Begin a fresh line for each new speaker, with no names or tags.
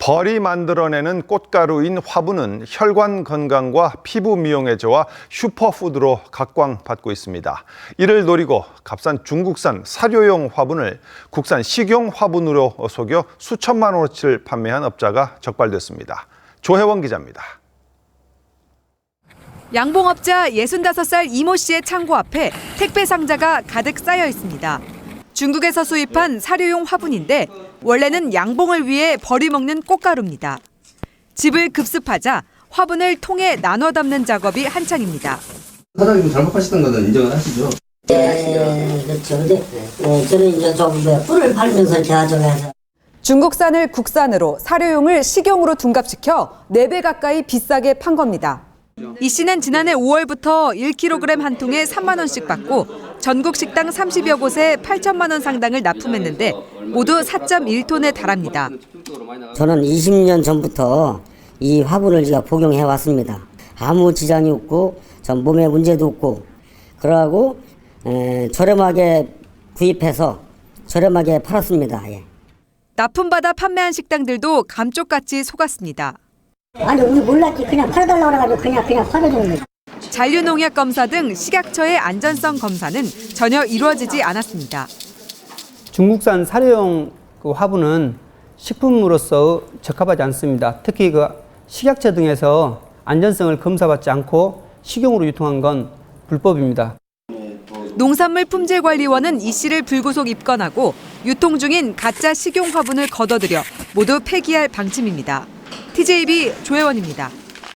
벌이 만들어내는 꽃가루인 화분은 혈관 건강과 피부 미용에 좋아 슈퍼푸드로 각광받고 있습니다. 이를 노리고 값싼 중국산 사료용 화분을 국산 식용 화분으로 속여 수천만 원어치를 판매한 업자가 적발됐습니다. 조혜원 기자입니다.
양봉업자 65살 이모 씨의 창고 앞에 택배 상자가 가득 쌓여 있습니다. 중국에서 수입한 사료용 화분인데 원래는 양봉을 위해 벌이 먹는 꽃가루입니다. 집을 급습하자 화분을 통에 나눠 담는 작업이 한창입니다.
사장님 잘못하시던 거는 인정을 하시죠?
네, 그렇죠. 근데 저는 이제 좀 뿔을 밟으면서 이렇게 가져가서.
중국산을 국산으로 사료용을 식용으로 둔갑시켜 4배 가까이 비싸게 판 겁니다. 이 씨는 지난해 5월부터 1kg 한 통에 3만 원씩 받고 전국 식당 30여 곳에 8천만 원 상당을 납품했는데 모두 4.1톤에 달합니다.
저는 20년 전부터 이 화분을 제가 복용해 왔습니다. 아무 지장이 없고 전 몸에 문제도 없고 그러고 저렴하게 구입해서 저렴하게 팔았습니다. 예.
납품받아 판매한 식당들도 감쪽같이 속았습니다.
아니 우리 몰랐지. 그냥 팔아달라고 그래가지고 그냥 팔아주는 거지.
잔류농약 검사 등 식약처의 안전성 검사는 전혀 이루어지지 않았습니다.
중국산 사료용 화분은 식품으로서 적합하지 않습니다. 특히 식약처 등에서 안전성을 검사받지 않고 식용으로 유통한 건 불법입니다.
농산물품질관리원은 이 씨를 불구속 입건하고 유통 중인 가짜 식용 화분을 걷어들여 모두 폐기할 방침입니다. TJB 조혜원입니다.